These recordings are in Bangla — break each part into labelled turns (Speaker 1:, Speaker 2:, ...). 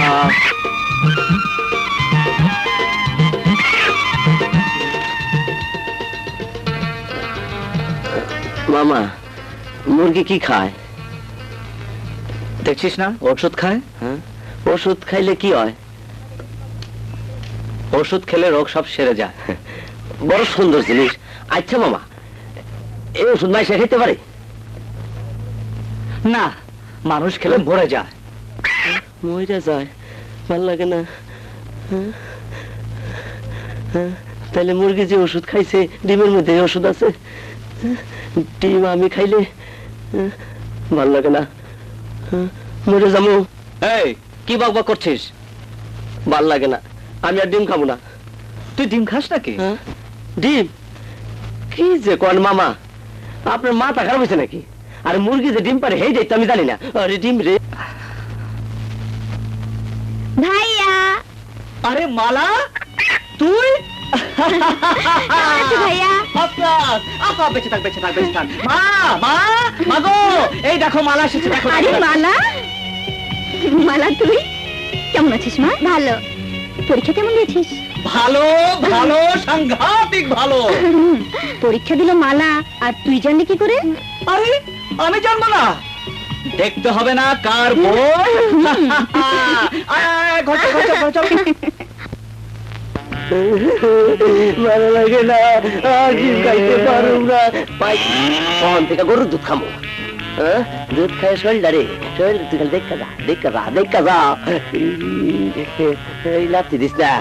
Speaker 1: মামা, মুরগি কি খায়?
Speaker 2: দেখছিস না ওষুধ খায়।
Speaker 1: হ্যাঁ, ওষুধ খাইলে কি হয়?
Speaker 2: ওষুধ খেলে রোগ সব সেরে যায়।
Speaker 1: বড় সুন্দর জিনিস। আচ্ছা মামা, এই ওষুধ মাইসে খেতে পারে?
Speaker 2: না, মানুষ খেলে মরে যায়।
Speaker 1: মরে যায়? ভাল লাগে না। তাহলে মুরগি যে ওষুধ খাইছে, ডিমের মধ্যে ওষুধ আছে। ডিম আমি খাইলে ভাল লাগে না, মরে যাবো।
Speaker 2: এই কি বকবক করছিস?
Speaker 1: ভাল লাগে না, আমি আর ডিম খাবো না।
Speaker 2: তুই ডিম খাস নাকি?
Speaker 1: ডিম? কি যে কোন মামা, আপনার মাথা খারাপ হয়েছে নাকি? আর মুরগি যে ডিম পারে হেই দেখতে আমি জানি না। আরে ডিম রে।
Speaker 3: ভাইয়া।
Speaker 2: আরে মালা, তুই?
Speaker 3: ভাইয়া।
Speaker 2: বেঁচে থাক, বেঁচে থাক, বেঁচে থাক। মা, মা, মা গো, এই দেখো মালা এসেছে, দেখো।
Speaker 3: আরে মালা, মালা তুই কেমন আছিস মা? ভালো। পরীক্ষা কেমন দিয়েছিস?
Speaker 2: ভালো, ভালো, সাংঘাতিক ভালো।
Speaker 3: পরীক্ষা দিল মালা, আর তুই জানলি কি করে?
Speaker 2: আরে আমি জানবো না? দেখতে হবে না কার বই?
Speaker 1: ভালো লাগে না, আর ডিম খাইতে পারো না। কখন থেকে গরুর দুধ খামো? দুধ খায় শরীরটা রে, শরীর তুই খালি দেখা যা, দেখা যা, দেখা যা। এই লাথি দিস না।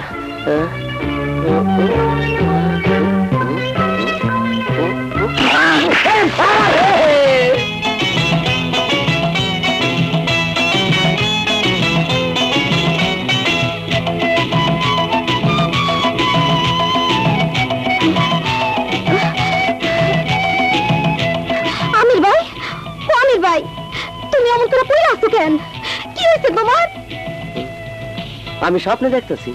Speaker 3: আমির ভাই, ও আমির ভাই, তুমি এমন করে পড়ে আসছো কেন? কি হয়েছে তোমার?
Speaker 1: আমি স্বপ্নে দেখতেছি।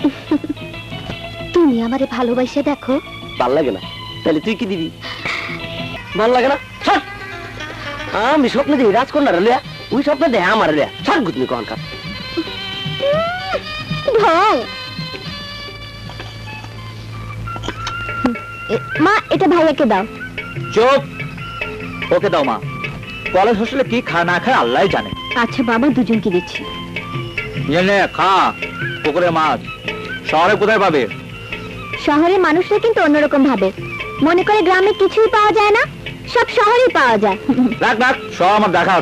Speaker 3: তুমি আমারে ভালোবাসে দেখো।
Speaker 1: ভাল লাগে না, তাহলে তুই কি দিবি? ভাল লাগে না, ছাড়। আমি স্বপ্নে দেখি রাজকন্যা রে, ওই স্বপ্নে দেখে আমার রে, ছাড় গুতনি কন কাপ।
Speaker 3: ঢং। মা, এটা ভাইয়াকে দাও।
Speaker 2: চুপ, ওকে দাও মা। কলেজ হোস্টেলে কি খায় না খায় আল্লাহ জানে।
Speaker 3: আচ্ছা বাবা, দুজনকে দিচ্ছি।
Speaker 2: নে খা, পুকুরের মাছ। শহরে কোথায় পাবে?
Speaker 3: শহরের মানুষরা কিন্তু অন্যরকম ভাবে, মনে করে গ্রামে কিছুই পাওয়া যায় না, সব শহরেই পাওয়া যায়।
Speaker 2: রাখ রাখ, সব আমার দেখা